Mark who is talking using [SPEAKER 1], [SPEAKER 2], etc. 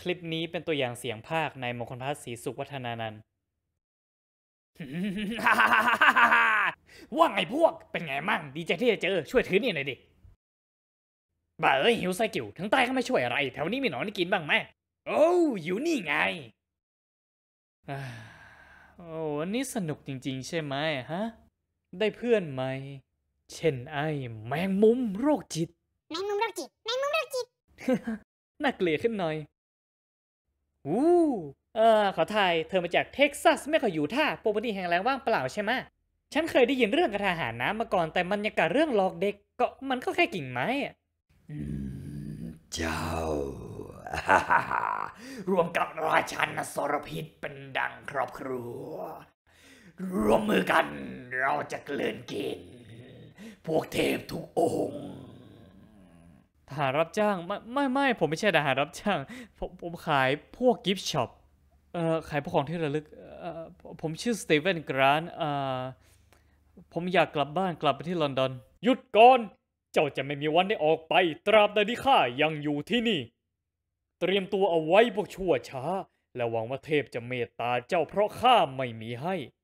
[SPEAKER 1] คลิปนี้เป็นตัวอย่างเสียงภาคในมงคลพัฒน์ศรีสุขวัฒนานันท์ ว่าไงพวก เป็นไงมั่ง ดีใจที่จะเจอ ช่วยถือนี่หน่อยดิบ่าเอ้ยหิวไซกิวถึงตายก็ไม่ช่วยอะไร แถวนี้มีหนอนให้กินบ้างไหมโอ้อยู่นี่ไงโอ้วันนี้สนุกจริงๆใช่ไหมฮะ ได้เพื่อนไหม เช่นไอ้แมงมุมโรคจิต
[SPEAKER 2] แมงมุมโรคจิตแมงมุมโรคจิต
[SPEAKER 1] น่าเกลียดขึ้นหน่อยอู้ขอทาย เธอมาจากเท็กซัสไม่ก็อยู่ท่าปกติแห่งแรงว่างเปล่าใช่ไหมฉันเคยได้ยินเรื่องกระทาหารน้ำมาก่อน แต่มันยังกับเรื่องหลอกเด็ก ก็มันก็แค่กิ่งไม้อะ
[SPEAKER 3] เจ้า รวมกับราชันอสรพิษเป็นดังครอบครัว รวมมือกันเราจะเกลื่อนกิน พวกเทพทุกองค์
[SPEAKER 1] ทหารรับจ้างไม่ผมไม่ใช่ทหารรับจ้างผมขายพวกกิฟต์ช็อปขายพวกของที่ระลึกผมชื่อสตีเวนกรานต์ผมอยากกลับบ้านกลับไปที่ลอนดอนหยุดก่อนเจ้าจะไม่มีวันได้ออกไปตราบใดที่ข้ายังอยู่ที่นี่เตรียมตัวเอาไว้พวกชั่วช้าและหวังว่าเทพจะเมตตาเจ้าเพราะข้าไม่มีให้